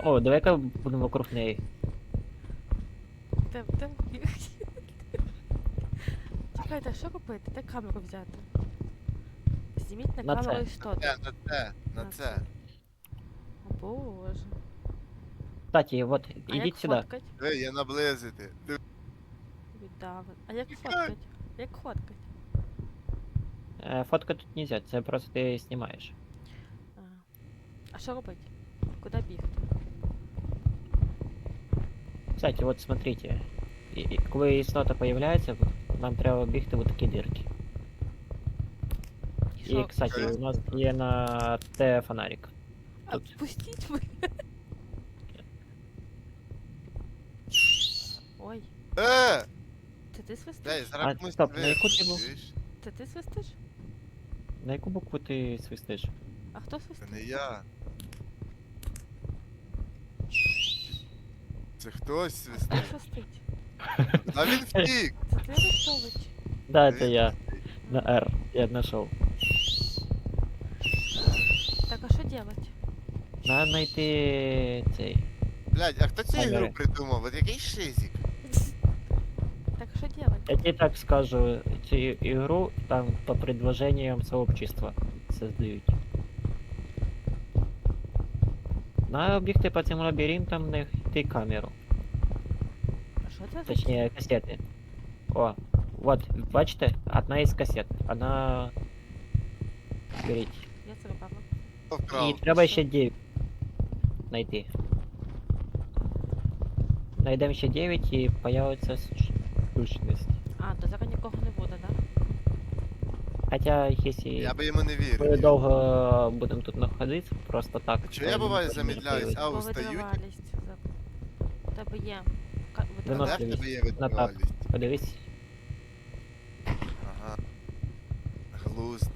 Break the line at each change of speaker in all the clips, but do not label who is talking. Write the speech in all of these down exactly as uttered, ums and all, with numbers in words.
О, давай-ка будемо вокруг неї.
Де, де бігти? Чекайте, а що робити? Де камеру взяти? Зніміть на,
На
камеру
це.
істоту.
Це, на це, на
На
це.
О боже.
Кстати, вот,
А як
ідіть сюди.
фоткать?
Диви, я наблизити. Диви.
Віддави. А як фоткать? Як фоткать?
Е, Фотка тут нельзя, це просто ти знімаєш.
А, а що робити? Куди бігти?
Кстати, вот смотрите. І- і Коли істота появляється, нам треба бігти в такі дирки.
І
І,
що?
кстати, у нас є на Т фонарик. тут.
Отпустіть мене. Ой,
Е!
це ти свистиш?
Дай,
А,
зараз комусь
стоп, на
вирішиш,
яку ти був?
чуєш?
Це ти свистиш?
На яку букву ти свистиш?
А хто
Це
свистить?
не я. Це хтось
Хто
свистить.
свистить?
А він втік!
Це ти Арестович.
Да,
Він
це я.
втік.
На R. Я знайшов.
Так, а що делать?
Надо знайти цей.
Блядь, а хто цю
Камери.
ігру придумав? От який шизик?
Так, а що делать?
Я тебе так скажу, цю ігру там по предложениям сообщества создають. Надо бігти по цим лабіринтам, знайти камеру.
А що це за
Точніше, касети. О, вот, бачите? Одна із касет. Вона... Беріть.
Я це робила.
Хто
І
вкрав?
треба
що?
ще дев'ять знайти. Найдемо ще дев'ять і появиться суш- сущність.
А, то зараз нікого не буде, да?
Хоча, якщо
Я би йому не
ми
вірив.
довго будемо тут знаходитися, просто так.
А чого
то
я
він
буваю
теж може
замедляюсь?
появитися.
А,
Бо
устають?
витривалість. За... У тебе є. Ка-
А де
витривалість.
в тебе є
На тап.
витривалість?
Подивись.
Ага. Глузд.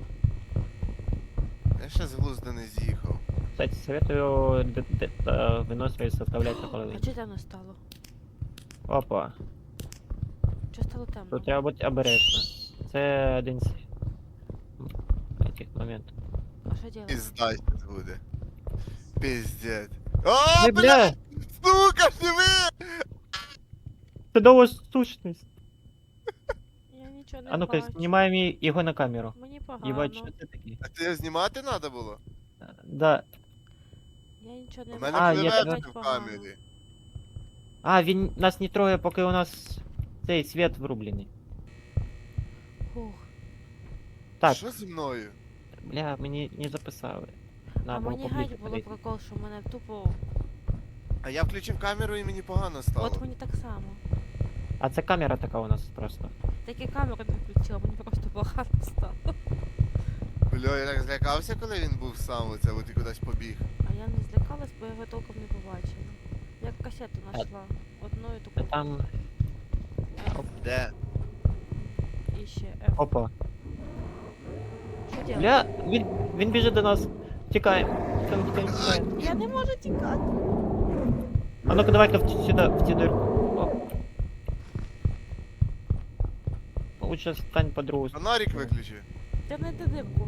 Я ще з глузду не з'їхав.
Кстати, советую д- д- та виносливість составлять на
А
половину.
чого темно стало?
Опа.
Чого стало темно?
Тут треба бути обережно. Це один з таких моментів.
А що делать?
Пізда щас буде. Піздець. О,
Не,
бля!
бля!
Сука, диви!
Це довго сущність.
Я нічого не
А ну-ка,
бачу.
знімаємо ї- його на камеру.
Мені
Єбать,
погано.
що це таке?
А це його знімати треба було?
Да.
Я нічого не
У
бачу.
мене
А, є
клевети
Бачу
в
погано.
камері.
А, він нас не троє, поки у нас цей світ врублений.
Фух.
Так,
Що зі мною?
бля, мені не записали.
А
Надо було
мені
поближче
геть було
подойти.
прикол, що мене тупо...
А я включив камеру і мені погано стало.
От мені так само.
А це камера така у нас просто.
Так і камеру не включила, мені просто погано стало.
Бля, я так злякався, коли він був сам оце, от і кудись побіг.
А я не злякалась, бо я його толком не побачила. Я касету знайшла. Одною
Та
таку.
там.
Де?
І ще F.
Опа.
Що делать?
Бля, він, він біжить до нас. Тікаємо. Тікаємо, тікаємо, тікаємо.
Я не можу тікати.
А ну-ка давай-ка в, сюди, в цю дирку. О. Лучше стань по другу. сторону.
Фонарик виключи.
Ти не йди дирку.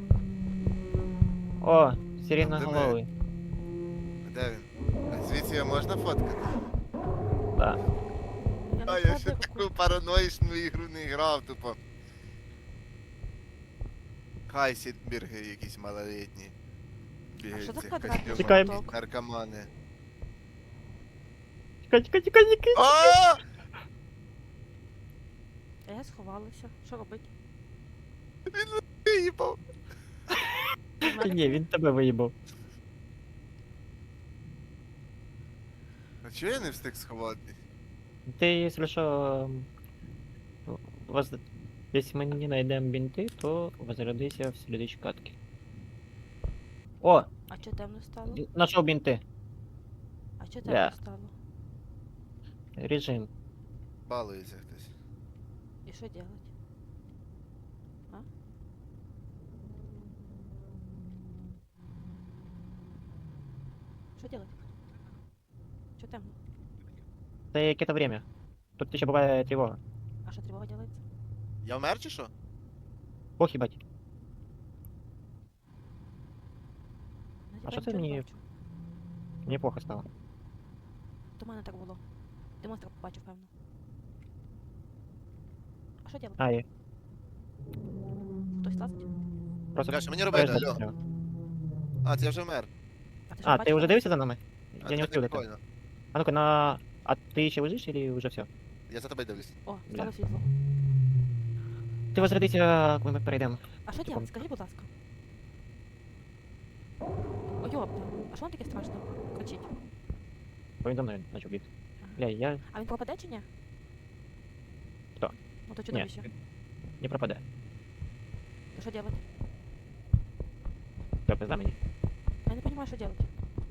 О, сирена
Диви.
голови.
А де він? А звідси його можна фоткати?
Да.
Я
А
знайшла
я ще
дирку.
таку параноїчну ігру не грав, тупо. Хайсідберги якісь малолетні. Бігають
що
в
за
цих
квадратний
костюмах.
Тікаємо.
Наркомани.
Тікай, тікай, тікай, тікай.
А!
А я сховалася. Що робити?
Виїбав.
Та ні, він тебе виїбав.
А чого я не встиг сховати?
Ти, якщо що, м, воз... Если мы не найдем бинты, то возродися в следующей катке. О,
А чого темно стало?
нашел бинты.
А чого
Да.
темно стало?
Режим.
Балується хтось.
І що делать? А? Що делать? Що темно?
Это какое-то время. Тут еще бывает тревога.
А що тривога делається?
Я вмер чи що?
Ох, ебать.
Ну,
А
типа
що це
нічого не
мені-
бачу.
Мені плохо стало.
До мене так було. Ти монстра побачив, певно. А що делать?
А, і
Хтось лазить?
просто
Бля, що мені робити,
переждати
алло?
треба.
А, це я вже вмер.
А ти,
А, ти вже дивишся за нами?
А
Я не
це
успів дойти.
прикольно.
А ну-ка, на... А ти ще лежиш или вже все?
Я за тебе дивлюсь.
О,
Бля.
стало світло.
Ти возродися, коли ми перейдемо.
А що делать? Скажи, будь ласка. О, йопта. А що він таке страшно? Кричить.
Повідом мною почав бігти.
Ага.
Бля, я...
А він пропаде чи ні?
Хто?
Ну то
Ні,
чудовище.
не пропаде.
То що делать?
Що, пизда мені?
Я не розумію, що делать.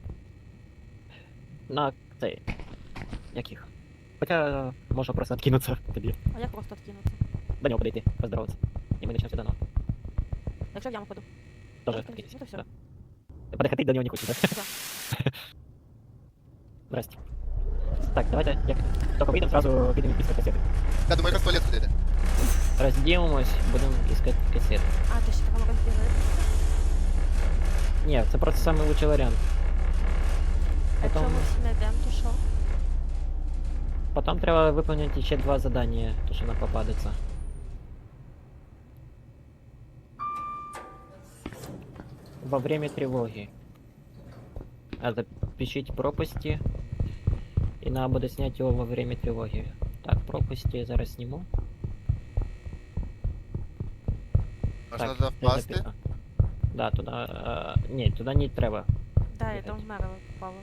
На цей... Яких? Хоча можна просто откинуться тобі.
А як просто откинуться?
До нього подойти, поздороватися. І ми почнемо сюди нахуй.
Якщо в яму паду.
Тоже
Ну,
откинься.
ну то всё.
Да. Ти подходить до нього не хочеш, да?
Всё.
Здрасте. Так, давайте, як тільки вийдемо, сразу підемо після касети.
Я думаю, як в туалет ходити.
Розділимось, будемо іскати касети.
А, ти ще такого розділили.
Ні, це просто самий лучший варіант.
А якщо
Потім,
ми всі знайдемо, то що?
потім треба виконати ще два задання, то що нам попадеться. Во время тревоги. Надо пишіть пропасти. І надо буде зняти його во время тревоги. Так, пропасти я зараз зніму.
Можна
Так,
туди
де
впасти?
записано? Да, туди. Е, ні, туди не треба.
Да, я
Бігать.
там вмерла попала.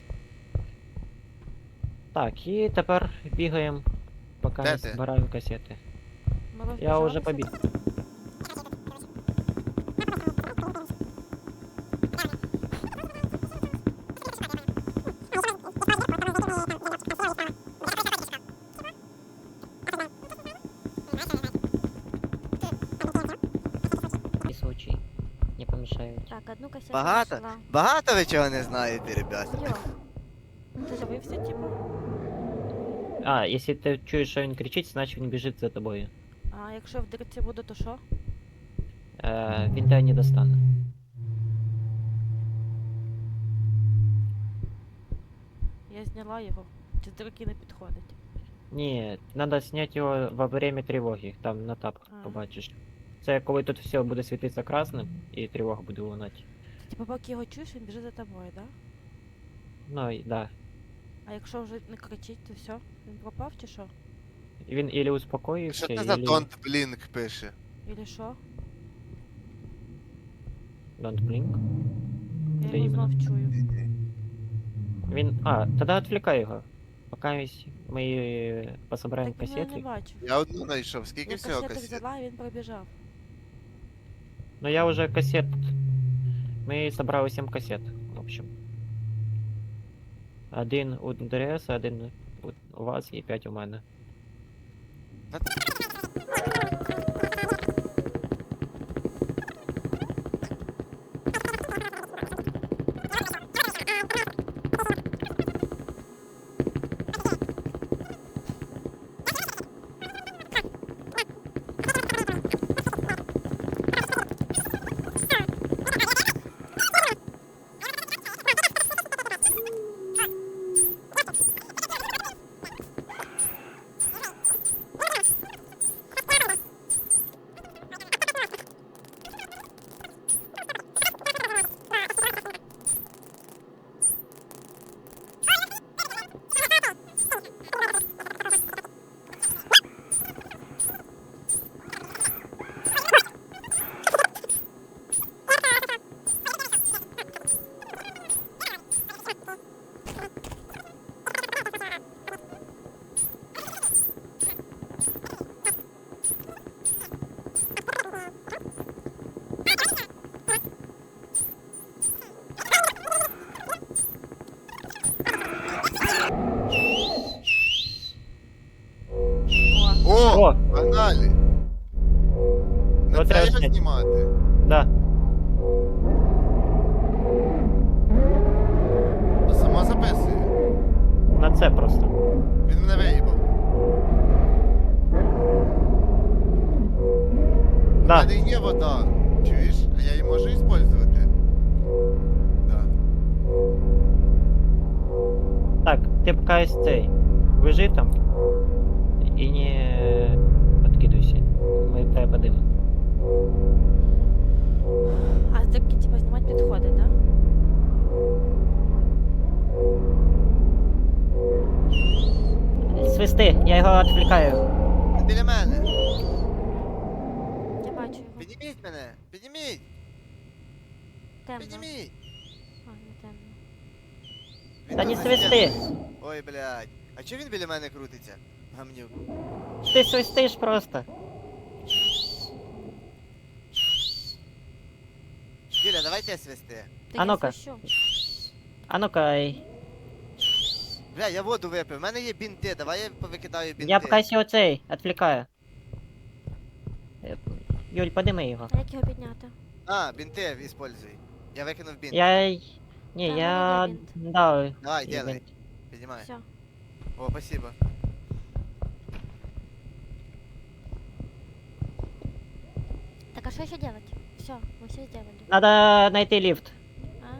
Так, і тепер бігаємо, поки
Де
не
ти?
збираємо касети.
Ми
Я вже
розбіжалися.
побіг. І случай не помішають.
Так, одну кассету
Багато?
нашла.
Багато ви чого не знаєте, ребята?
Йо. Ти забився, типу?
А, якщо ти чуєш, що він кричить, значить він біжить за тобою.
А якщо в дирці буду, то що?
Е, він тебе не достане.
Я зняла його. Чи з дирки не підходить?
Ні, треба зняти його во время тривоги, там на тап
А.
побачиш. Це коли тут все буде світитися красним і тривога буде лунати.
Типу, поки його чуєш, він біжить за тобою, да?
Ну, і да.
А якщо вже не кричить, то все? Він пропав чи що?
Він ілі успокоївся,
Що це за
ілі...
Don't Blink пише?
Или що?
Don't blink.
Я
Це
його
іменно.
знов чую.
Він... А, тоді відвлікай його. Поки ми пособираємо
Так він мене не
касети.
бачив.
Я одну знайшов. Скільки
Я
всього
касету
касет?
взяла, і він пробіжав.
Ну я уже кассет. Мы собрали семь кассет, в общем. Один у ДРС, один у- у вас і п'ять у мене.
О,
О!
О!
Погнали! Не
Ну, треба
треба
зняти.
знімати.
Да.
Ну, сама записує.
На це просто.
Він мене виїбав. У
Да.
мене є вода. Чуєш? А я її можу використовувати? Да.
ти поки ось цей. Лежи там. І не откидуйся. Ми тебе подивимо.
А таки типа знімати підходи, да?
Свисти, я його відвлікаю.
Він біля мене.
Я бачу його.
Підніміть мене. Підніміть.
Темно.
Підніміть.
А, не темно.
Він
Та
тут
не
на
свисти.
стіні. Ой, блядь. А чого він біля мене крутиться? Гамнюк.
Ти свистиш просто.
Юля, давайте свисти.
Та
А
я
ну-ка.
свищу.
А ну-ка, й-
Бля, я воду випив. У мене є бінти. Давай я повикидаю бінти.
я поки його цей, відвлікаю. Е, Юль, подими його.
А як його підняти?
А, бінти используй. Я викинув бінт.
Я... й- Ні,
Та, в
я...
мене є бінт.
Да,
Давай,
є
делай.
бінт.
Піднімай.
Все.
О, спасибо.
Так а что еще делать? Все, мы все сделали.
Надо знайти ліфт.
А,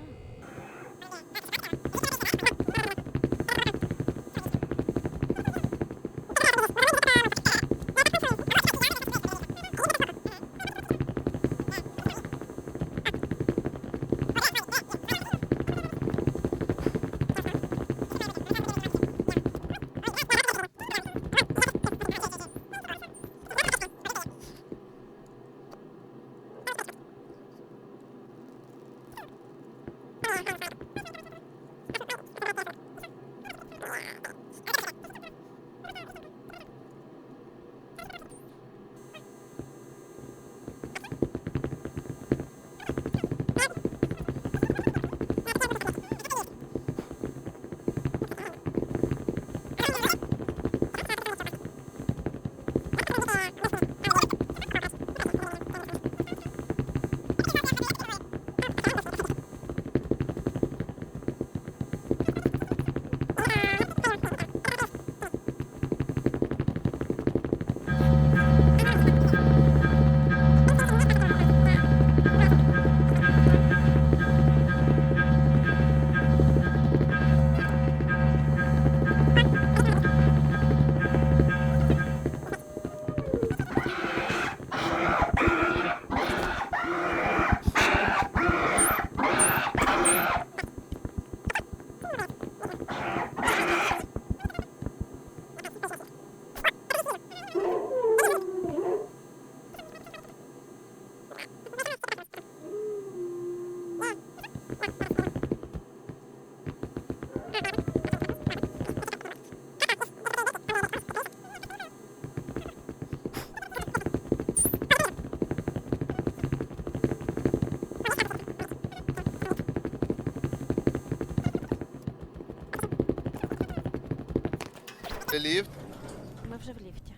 Ліфт.
мы уже в лифте.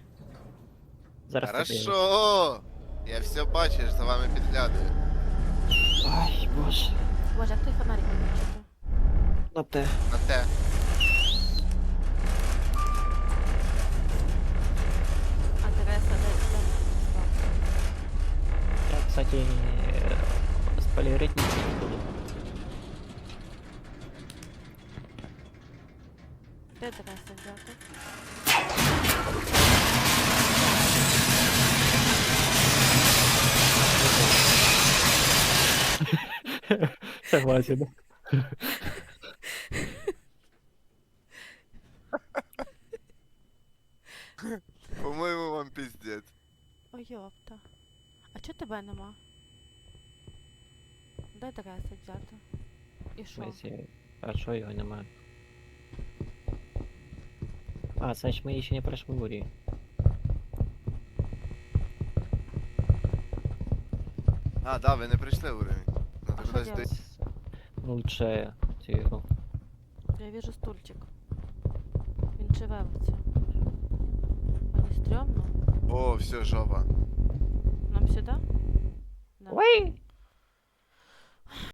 Зараз подивимось.
Хорошо. Я все бачу, я ж за вами підглядаю.
Ай, боже.
Боже, а кто фонарик выключил?
На те.
На те.
А, Тереса, да, да.
Я, кстати, е, спойлерить нічого не буду.
Де Тереса взяти?
Согласен.
По-моєму, вам піздець.
Ой, ёпта. А чого тебе нема? Де Тереса взяти? І
В
що?
смысле, а що його немає? А, значить ми ще не пройшли бурі.
А, да, ви не прийшли уровень.
А
Надо
що
кудись
делать?
дойти.
Лучше цю ігру.
Я вижу стульчик. Він живе в цьому. А не стрьомно?
О, все, жопа.
Нам сюди? Да.
Ой!